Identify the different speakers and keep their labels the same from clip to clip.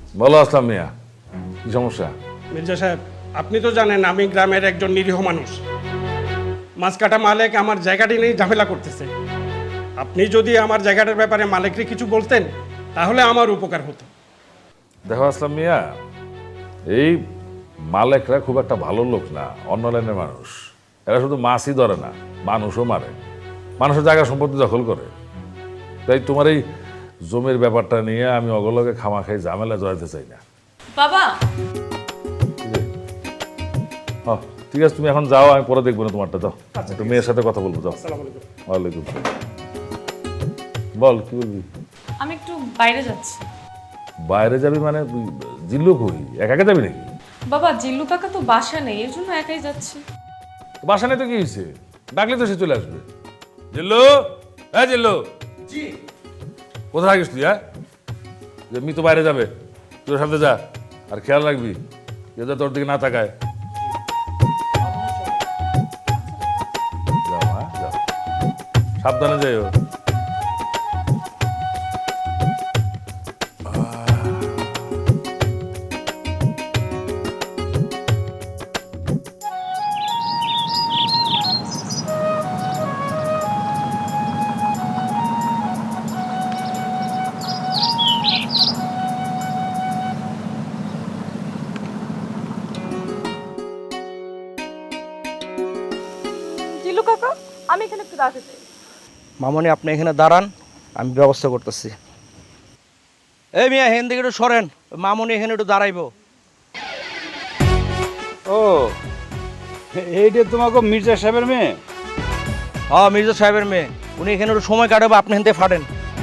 Speaker 1: বলো আসলাম মিয়া, কি সমস্যা?
Speaker 2: মির্জা সাহেব, আপনি তো জানেন আমি গ্রামের একজন নিরীহ মানুষ। মাছ কাটা মালিক আমার জায়গাটি নিয়ে ঝামেলা করতেছে। আপনি যদি আমার জায়গাটার ব্যাপারে মালিককে কিছু বলতেন তাহলে আমার উপকার হতো।
Speaker 1: দেখো আসলাম মিয়া, এই মালেকরা খুব একটা ভালো লোক না, অন্য লাইনের মানুষ। এরা শুধু মাছই ধরে না, মানুষও মারে, মানুষের জায়গা সম্পত্তি দখল করে। তাই তোমার এই জমির ব্যাপারটা নিয়ে আমি অগলকে খামাখাই ঝামেলা জড়াতে চাই না।
Speaker 3: বাবা,
Speaker 1: হ্যাঁ ঠিক আছে, তুমি এখন যাও, আমি পরে দেখবো না তোমারটা। যাও, একটু মেয়ের সাথে কথা বলবো। যাও।
Speaker 2: আসসালামু আলাইকুম।
Speaker 1: ওয়ালাইকুম সালাম। বল, কি বলবি?
Speaker 3: আমি একটু বাইরে যাচ্ছি।
Speaker 1: বাইরে যাবি মানে? জিল্লু কই, একা একা যাবি নাকি?
Speaker 3: বাবা, জিল্লু কাকা তো বাসা নেই, এর জন্য একাই যাচ্ছি।
Speaker 1: বাসা নেই তো কি হয়েছে? ডাকলে তো সে চলে আসবে। জিল্লু, হ্যাঁ জিল্লু।
Speaker 2: জি।
Speaker 1: কোথায় থাকিস তুই? হ্যাঁ, যে মি তো বাইরে যাবে, তুই ওর সাথে যা, আর খেয়াল রাখবি যাতে তোর দিকে না তাকায়। যাও, হ্যাঁ যাও, সাবধানে যাইও।
Speaker 3: জিল্লু কাকা, আমি এখানে একটু দাঁড়াতে চাই।
Speaker 4: মামনি, আপনি এখানে দাঁড়ান, আমি ব্যবস্থা করতেছি। এই মিয়া, হেন দিকে একটু সরেন, মামনি এখানে একটু দাঁড়াইবো।
Speaker 5: ও, এইটা তোমাকে মির্জা সাহেবের মেয়ে?
Speaker 4: হ্যাঁ, মির্জা সাহেবের মেয়ে। উনি এখানে একটু সময় কাটাবো, আপনি হেনতে ফাটেন।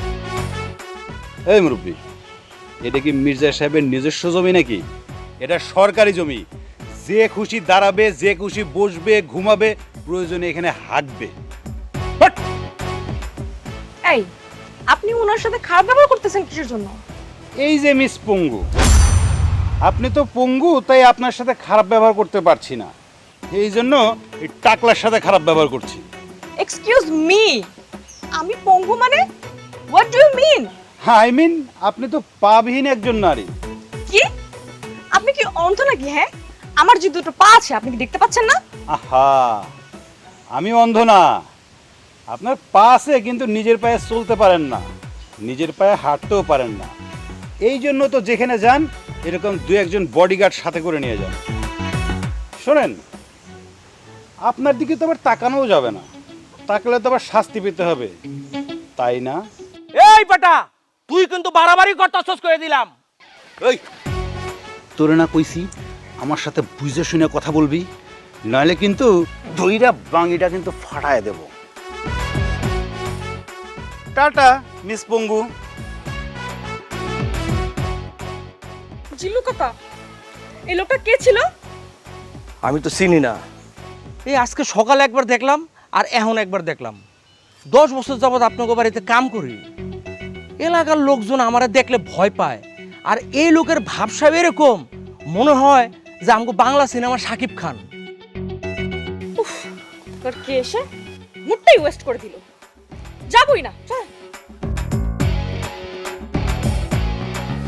Speaker 5: এই মুরব্বী, এটা কি মির্জা সাহেবের নিজস্ব জমি নাকি? এটা সরকারি জমি। যে খুশি দাঁড়াবে, যে খুশি বসবে, ঘুমাবে, প্রয়োজনে এখানে হাঁটবে। হাট!
Speaker 6: এই, আপনি ওনার সাথে খারাপ ব্যবহার করতেছেন কিসের জন্য?
Speaker 5: এই যে মিস পঙ্গু, আপনি তো পঙ্গু, তাই আপনার সাথে খারাপ ব্যবহার করতে পারছি না, এই জন্য এই টাকলার সাথে খারাপ ব্যবহার করছি।
Speaker 6: এক্সকিউজ মি, আমি পঙ্গু মানে? What do you mean?
Speaker 5: I mean, আপনি তো পাবিহীন একজন নারী।
Speaker 6: কি? আপনি কি অন্ধ নাকি? হ্যাঁ, আমার যে দুটো পা আছে আপনি কি দেখতে পাচ্ছেন না?
Speaker 5: আহা, আমি অন্ধ না। আপনার পা আছে কিন্তু নিজের পায়ে চলতে পারেন না, নিজের পায়ে হাঁটতেও পারেন না। এই জন্য তো যেখানে যান এরকম দু একজন বডিগার্ড সাথে করে নিয়ে যান। শোনেন, আপনার দিকে তো আবার তাকানোও যাবে না, তাকলে তো আবার শাস্তি পেতে হবে, তাই না?
Speaker 4: এই বেটা, তুই কিন্তু বাড়াবাড়ি করতেছস করে দিলাম।
Speaker 5: ওই, তোরে না কইছি আমার সাথে বুঝে শুনে কথা বলবি, নইলে কিন্তু দইরা বাঙিটা কিন্তু ফাটায় দেব। টাটা মিস পঙ্গু।
Speaker 6: জিল্লু কাকা, এই লোকটা কে ছিল?
Speaker 4: আমি তো চিনি না। এই আজকে সকালে একবার দেখলাম আর এখন একবার দেখলাম। 10 বছর যাবৎ আপনাকে বাড়িতে কাম করি। এলাকার লোকজন আমারে দেখলে ভয় পায়। আর এই লোকের ভাবসাব এরকম, মনে হয় যে আমাকে বাংলা সিনেমার শাকিব খান।
Speaker 6: তোর কে এসে মুডটাই ওয়েস্ট করে দিল। যাবই না, চল।